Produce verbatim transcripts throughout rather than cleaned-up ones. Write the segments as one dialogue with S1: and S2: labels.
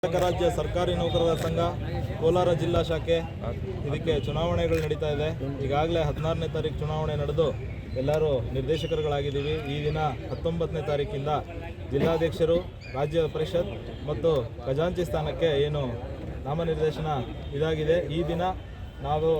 S1: ಕರ್ನಾಟಕ ರಾಜ್ಯ ಸರ್ಕಾರಿ ನೌಕರರ ಸಂಘ ಕೋಲಾರ ಜಿಲ್ಲಾ ಶಾಖೆ ಇದಕ್ಕೆ ಚುನಾವಣೆಗಳು ನಡೀತಾ ಇದೆ. ಈಗಾಗಲೇ ಹದಿನಾರನೇ ತಾರೀಕು ಚುನಾವಣೆ ನಡೆದು ಎಲ್ಲರೂ ನಿರ್ದೇಶಕರುಗಳಾಗಿದ್ದೀವಿ. ಈ ದಿನ ಹತ್ತೊಂಬತ್ತನೇ ತಾರೀಕಿಂದ ಜಿಲ್ಲಾಧ್ಯಕ್ಷರು, ರಾಜ್ಯ ಪರಿಷತ್ ಮತ್ತು ಖಜಾಂಚಿ ಸ್ಥಾನಕ್ಕೆ ಏನು ನಾಮನಿರ್ದೇಶನ ಇದಾಗಿದೆ. ಈ ದಿನ ನಾವು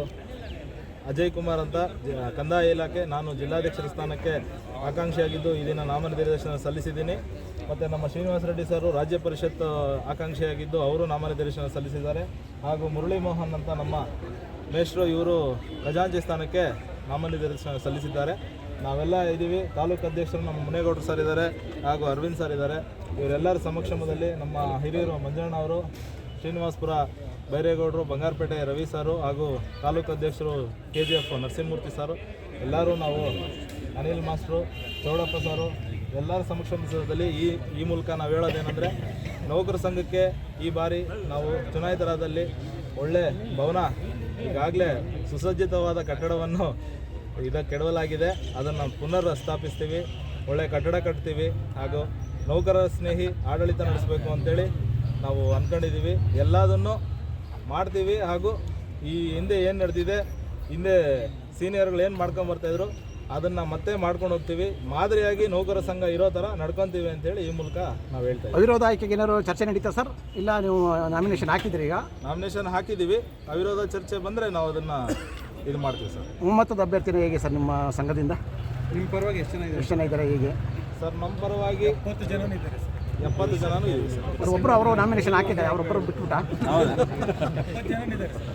S1: ಅಜಯ್ ಕುಮಾರ್ ಅಂತ ಕಂದಾಯ ಇಲಾಖೆ, ನಾನು ಜಿಲ್ಲಾಧ್ಯಕ್ಷರ ಸ್ಥಾನಕ್ಕೆ ಆಕಾಂಕ್ಷಿಯಾಗಿದ್ದು ಈ ದಿನ ನಾಮನಿರ್ದೇಶನ ಸಲ್ಲಿಸಿದ್ದೀನಿ. ಮತ್ತು ನಮ್ಮ ಶ್ರೀನಿವಾಸ ರೆಡ್ಡಿ ಸರ್ ರಾಜ್ಯ ಪರಿಷತ್ ಆಕಾಂಕ್ಷಿಯಾಗಿದ್ದು ಅವರು ನಾಮನಿರ್ದೇಶನ ಸಲ್ಲಿಸಿದ್ದಾರೆ. ಹಾಗೂ ಮುರಳಿ ಮೋಹನ್ ಅಂತ ನಮ್ಮ ಮೇಷ್ಟ್ರು, ಇವರು ಖಜಾಂಚಿ ಸ್ಥಾನಕ್ಕೆ ನಾಮನಿರ್ದೇಶನ ಸಲ್ಲಿಸಿದ್ದಾರೆ. ನಾವೆಲ್ಲ ಇದ್ದೀವಿ. ತಾಲೂಕು ಅಧ್ಯಕ್ಷರು ನಮ್ಮ ಮುನೇಗೌಡರು ಸರ್ ಇದ್ದಾರೆ, ಹಾಗೂ ಅರವಿಂದ್ ಸರ್ ಇದ್ದಾರೆ. ಇವರೆಲ್ಲರ ಸಮಕ್ಷಮದಲ್ಲಿ ನಮ್ಮ ಹಿರಿಯರು ಮಂಜಣ್ಣ ಅವರು, ಶ್ರೀನಿವಾಸಪುರ ಬೈರೇಗೌಡರು, ಬಂಗಾರಪೇಟೆ ರವಿ ಸಾರು, ಹಾಗೂ ತಾಲೂಕು ಅಧ್ಯಕ್ಷರು ಕೆ ಜಿ ಎಫ್ ನರಸಿಂಹಮೂರ್ತಿ ಸಾರು, ಎಲ್ಲರೂ ನಾವು ಅನಿಲ್ ಮಾಸ್ಟ್ರು, ಚೌಡಪ್ಪ ಸಾರು, ಎಲ್ಲರ ಸಮಕ್ಷಮದಲ್ಲಿ ಈ ಈ ಮೂಲಕ ನಾವು ಹೇಳೋದೇನೆಂದರೆ, ನೌಕರ ಸಂಘಕ್ಕೆ ಈ ಬಾರಿ ನಾವು ಚುನಾಯಿತರಾದಲ್ಲಿ ಒಳ್ಳೆ ಭವನ, ಈಗಾಗಲೇ ಸುಸಜ್ಜಿತವಾದ ಕಟ್ಟಡವನ್ನು ಇದಕ್ಕೆ ಕೆಡವಲಾಗಿದೆ, ಅದನ್ನು ಪುನರ್ ಸ್ಥಾಪಿಸ್ತೀವಿ, ಒಳ್ಳೆ ಕಟ್ಟಡ ಕಟ್ತೀವಿ, ಹಾಗೂ ನೌಕರ ಸ್ನೇಹಿ ಆಡಳಿತ ನಡೆಸಬೇಕು ಅಂತೇಳಿ ನಾವು ಅಂದ್ಕೊಂಡಿದ್ದೀವಿ. ಎಲ್ಲದನ್ನು ಮಾಡ್ತೀವಿ. ಹಾಗೂ ಈ ಹಿಂದೆ ಏನು ನಡೆದಿದೆ, ಹಿಂದೆ ಸೀನಿಯರ್ಗಳು ಏನು ಮಾಡ್ಕೊಂಬರ್ತಾಯಿದ್ರು ಅದನ್ನು ಮತ್ತೆ ಮಾಡ್ಕೊಂಡು ಹೋಗ್ತೀವಿ. ಮಾದರಿಯಾಗಿ ನೌಕರ ಸಂಘ ಇರೋ ಥರ ನಡ್ಕೊತೀವಿ ಅಂತೇಳಿ ಈ ಮೂಲಕ ನಾವು ಹೇಳ್ತಾ ಇದ್ದೀವಿ.
S2: ಅವಿರೋಧ ಆಯ್ಕೆಗೆ ಏನಾದ್ರು ಚರ್ಚೆ ನಡೀತಾ ಸರ್? ಇಲ್ಲ ನೀವು ನಾಮಿನೇಷನ್ ಹಾಕಿದ್ರಿ? ಈಗ
S1: ನಾಮಿನೇಷನ್ ಹಾಕಿದ್ದೀವಿ. ಅವಿರೋಧ ಚರ್ಚೆ ಬಂದರೆ ನಾವು ಅದನ್ನು ಇದು ಮಾಡ್ತೀವಿ ಸರ್.
S2: ಒಮ್ಮತದ ಅಭ್ಯರ್ಥಿನ ಹೇಗೆ ಸರ್ ನಿಮ್ಮ ಸಂಘದಿಂದ?
S3: ನಿಮ್ಮ ಪರವಾಗಿ ಎಷ್ಟು ಜನ
S2: ಎಷ್ಟು ಜನ ಇದ್ದಾರೆ ಹೇಗೆ
S1: ಸರ್? ನಮ್ಮ ಪರವಾಗಿ
S3: ಎಪ್ಪತ್ತು ಜನ ಇದ್ದಾರೆ ಸರ್.
S1: ಎಪ್ಪತ್ತು ಜನನೂ ಇದ್ದೀವಿ ಸರ್.
S2: ಒಬ್ಬರು ಅವರು ನಾಮಿನೇಷನ್ ಹಾಕಿದ್ದಾರೆ, ಅವರೊಬ್ಬರು ಬಿಟ್ಬಿಟ್ಟ?
S3: ಎಪ್ಪತ್ತು ಜನ ಇದ್ದಾರೆ ಸರ್.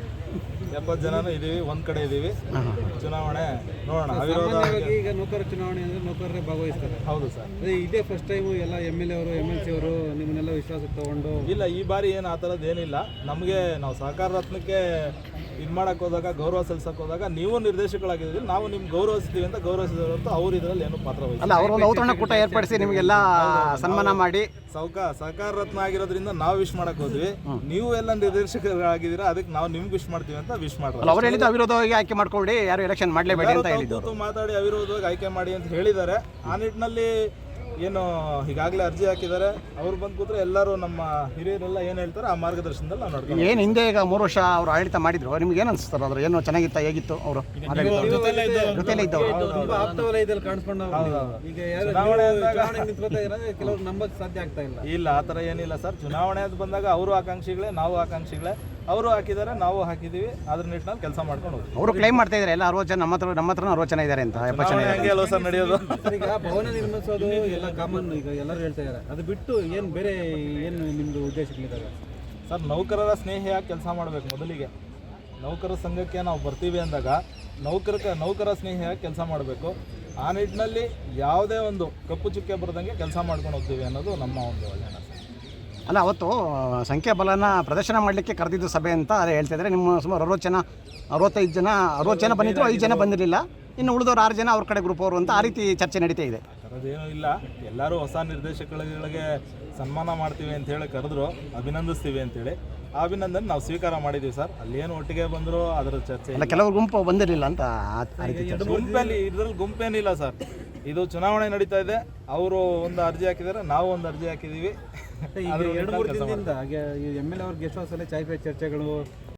S1: ಎಪ್ಪತ್ತು ಜನನೂ ಇದ್ದೀವಿ, ಒಂದು ಕಡೆ ಇದ್ದೀವಿ. ಚುನಾವಣೆ ನೋಡೋಣ. ಅವಿರೋಧ
S3: ಸಾಮಾನ್ಯವಾಗಿ ಈಗ ನೌಕರ ಚುನಾವಣೆ ಅಂದರೆ ನೌಕರರೇ ಭಾಗವಹಿಸ್ತಾರೆ.
S1: ಹೌದು ಸರ್.
S3: ಅದೇ ಇದೇ ಫಸ್ಟ್ ಟೈಮು ಎಲ್ಲ ಎಮ್ ಎಲ್ ಎ ಅವರು, ಎಮ್ ಎಲ್ ಸಿ ಅವರು ನಿಮ್ಮನ್ನೆಲ್ಲ ವಿಶ್ವಾಸಕ್ಕೆ ತಗೊಂಡು?
S1: ಇಲ್ಲ, ಈ ಬಾರಿ ಏನು ಆ ಥರದ್ದು ಏನಿಲ್ಲ. ನಮಗೆ ನಾವು ಸಹಕಾರ ರತ್ನಕ್ಕೆ ಇದು ಮಾಡೋಕ್ಕೆ ಹೋದಾಗ, ಗೌರವ ಸಲ್ಲಿಸೋಕೆ ಹೋದಾಗ ನೀವು ನಿರ್ದೇಶಕರಾಗಿದ್ದೀರಿ, ನಾವು ನಿಮ್ಗೆ ಗೌರವಿಸ್ತೀವಿ ಅಂತ ಗೌರವಿಸಿದ್ರು ಅಂತ ಅವ್ರು ಇದರಲ್ಲಿ ಏನು ಪಾತ್ರ ವಹಿಸಿಲ್ಲ.
S2: ಅಲ್ಲ, ಅವರು ಒಂದು ಔತಣ ಕೂಟ ಏರ್ಪಡಿಸಿ ನಿಮಗೆಲ್ಲ ಸನ್ಮಾನ ಮಾಡಿ
S1: ಸೌಕ ಸಹಕಾರ ರತ್ನ ಆಗಿರೋದ್ರಿಂದ ನಾವು ವಿಶ್ ಮಾಡಕ್ಕೆ ಹೋದ್ವಿ. ನೀವು ಎಲ್ಲ ನಿರ್ದೇಶಕರಾಗಿದ್ದೀರಾ, ಅದಕ್ಕೆ ನಾವು ನಿಮ್ಗೆ ವಿಶ್ ಮಾಡ್ತೀವಿ ಅಂತ ವಿಶ್ ಮಾಡ್ತಾರೆ.
S2: ಅವ್ರು ಹೇಳಿದ್ದು ಅವಿರೋಧವಾಗಿ ಆಯ್ಕೆ ಮಾಡ್ಕೊಳ್ಳಿ, ಯಾರು ಎಲೆಕ್ಷನ್ ಮಾಡಲೇಬೇಡಿ ಅಂತ ಹೇಳಿದ್ರು.
S1: ಮಾತಾಡಿ ಅವಿರೋಧವಾಗಿ ಆಯ್ಕೆ ಮಾಡಿ ಅಂತ ಹೇಳಿದ್ದಾರೆ. ಆ ನಿಟ್ಟಿನಲ್ಲಿ ಏನು ಈಗಾಗಲೇ ಅರ್ಜಿ ಹಾಕಿದ್ದಾರೆ, ಅವ್ರು ಬಂದು ಕೂತ್ರೆ ಎಲ್ಲರೂ ನಮ್ಮ ಹಿರಿಯರೆಲ್ಲ ಏನು ಹೇಳ್ತಾರೆ ಆ ಮಾರ್ಗದರ್ಶನದಲ್ಲಿ ನಾವು ನೋಡ್ತೀವಿ.
S2: ಏನು ಹಿಂದೆ ಈಗ ಮೂರು ವರ್ಷ ಅವರು ಆಡಳಿತ ಮಾಡಿದ್ರು, ನಿಮ್ಗೆ ಏನು ಅನಿಸ್ತಾರೆ? ಅದ್ರ ಏನು ಚೆನ್ನಾಗಿತ್ತ, ಹೇಗಿತ್ತು ಅವರು ಜೊತೆಲೇ ಇದ್ದವರು?
S3: ತುಂಬಾ ಆಪ್ತ ವಲಯದಲ್ಲಿ ಕಾಣಿಸ್ಕೊಂಡು ಈಗ ಯಾರು ಚುನಾವಣೆ ನಿಂತ್ಕೊತಾ ಇದ್ದಾರೆ, ಕೆಲವರು ನಂಬಕ್ಕೆ ಸಾಧ್ಯ ಆಗ್ತಾ ಇಲ್ಲ.
S1: ಇಲ್ಲ, ಆ ಥರ ಏನಿಲ್ಲ ಸರ್. ಚುನಾವಣೆ ಅಂತ ಬಂದಾಗ ಅವರು ಆಕಾಂಕ್ಷಿಗಳೇ, ನಾವು ಆಕಾಂಕ್ಷಿಗಳೇ. ಅವರು ಹಾಕಿದ್ದಾರೆ, ನಾವು ಹಾಕಿದ್ದೀವಿ. ಅದ್ರ ನಿಟ್ಟಿನಲ್ಲಿ ಕೆಲಸ ಮಾಡ್ಕೊಂಡು ಹೋಗ್ತೀವಿ.
S2: ಅವರು ಕ್ಲೈಮ್ ಮಾಡ್ತಾ ಇದ್ದಾರೆ ಎಲ್ಲ ಅರವತ್ತು ಜನ, ನಮ್ಮ ಹತ್ರ ನಮ್ಮ ಹತ್ರ ಅರವತ್ತು ಜನ ಇದ್ದಾರೆ ಅಂತ. ಎಪ್ಪತ್ತು ಜನ
S1: ಹೆಂಗೆ ಅಲ್ವ ಸರ್ ನಡೆಯೋದು?
S3: ಸರ್, ಈಗ ಭವನ ನಿರ್ಮಿಸೋದು ಎಲ್ಲ ಕಾಮನ್, ಈಗ ಎಲ್ಲರೂ ಹೇಳ್ತಾ ಇದ್ದಾರೆ. ಅದು ಬಿಟ್ಟು ಏನು ಬೇರೆ ಏನು ನಿಮ್ಮದು ಉದ್ದೇಶಗಳಿದ್ದಾವೆ
S1: ಸರ್? ನೌಕರರ ಸ್ನೇಹಿಯಾಗಿ ಕೆಲಸ ಮಾಡಬೇಕು. ಮೊದಲಿಗೆ ನೌಕರ ಸಂಘಕ್ಕೆ ನಾವು ಬರ್ತೀವಿ ಅಂದಾಗ ನೌಕರ ನೌಕರ ಸ್ನೇಹಿಯಾಗಿ ಕೆಲಸ ಮಾಡಬೇಕು. ಆ ನಿಟ್ಟಿನಲ್ಲಿ ಯಾವುದೇ ಒಂದು ಕಪ್ಪು ಚುಕ್ಕೆ ಬರದಂಗೆ ಕೆಲಸ ಮಾಡ್ಕೊಂಡು ಹೋಗ್ತೀವಿ ಅನ್ನೋದು ನಮ್ಮ ಒಂದು ಒಳ್ಳೆಯ.
S2: ಅಲ್ಲ, ಅವತ್ತು ಸಂಖ್ಯಾಬಲನ ಪ್ರದರ್ಶನ ಮಾಡಲಿಕ್ಕೆ ಕರೆದಿದ್ದು ಸಭೆ ಅಂತ ಅದೇ ಹೇಳ್ತಾ ಇದ್ದಾರೆ. ನಿಮ್ಮ ಸುಮಾರು ಅರವತ್ತು ಜನ, ಅರವತ್ತೈದು ಜನ ಅರವತ್ತು ಜನ ಬಂದಿದ್ರು, ಐದು ಜನ ಬಂದಿರಲಿಲ್ಲ. ಇನ್ನು ಉಳಿದವ್ರು ಆರು ಜನ ಅವ್ರ ಕಡೆ ಗ್ರೂಪ್ ಅವರು ಅಂತ ಆ ರೀತಿ ಚರ್ಚೆ ನಡೀತಾ ಇದೆ.
S1: ಥರದ್ದೇನೂ ಇಲ್ಲ. ಎಲ್ಲರೂ ಹೊಸ ನಿರ್ದೇಶಕಗಳಿಗೆ ಸನ್ಮಾನ ಮಾಡ್ತೀವಿ ಅಂತ ಹೇಳಿ ಕರೆದ್ರು, ಅಭಿನಂದಿಸ್ತೀವಿ ಅಂತೇಳಿ. ಆ ಅಭಿನಂದನೆ ನಾವು ಸ್ವೀಕಾರ ಮಾಡಿದ್ದೀವಿ ಸರ್. ಅಲ್ಲೇನು ಒಟ್ಟಿಗೆ ಬಂದರೂ ಅದರ ಚರ್ಚೆ
S2: ಇಲ್ಲ. ಕೆಲವರು ಗುಂಪು ಬಂದಿರಲಿಲ್ಲ ಅಂತ ಆ ರೀತಿ ಚರ್ಚೆ.
S1: ಗುಂಪಲ್ಲಿ ಇದರಲ್ಲಿ ಗುಂಪೇನಿಲ್ಲ ಸರ್. ಇದು ಚುನಾವಣೆ ನಡೀತಾ ಇದೆ. ಅವರು ಒಂದು ಅರ್ಜಿ ಹಾಕಿದ್ದಾರೆ, ನಾವು ಒಂದು ಅರ್ಜಿ ಹಾಕಿದ್ದೀವಿ.
S3: ಎರಡು ಮೂರು ದಿನದಿಂದ ಎಮ್ ಎಲ್ ಎ ಅವ್ರ ಗೆಸ್ಟ್ ಹೌಸಲ್ಲಿ ಚಾಯ್ ಪೇ ಚರ್ಚೆಗಳು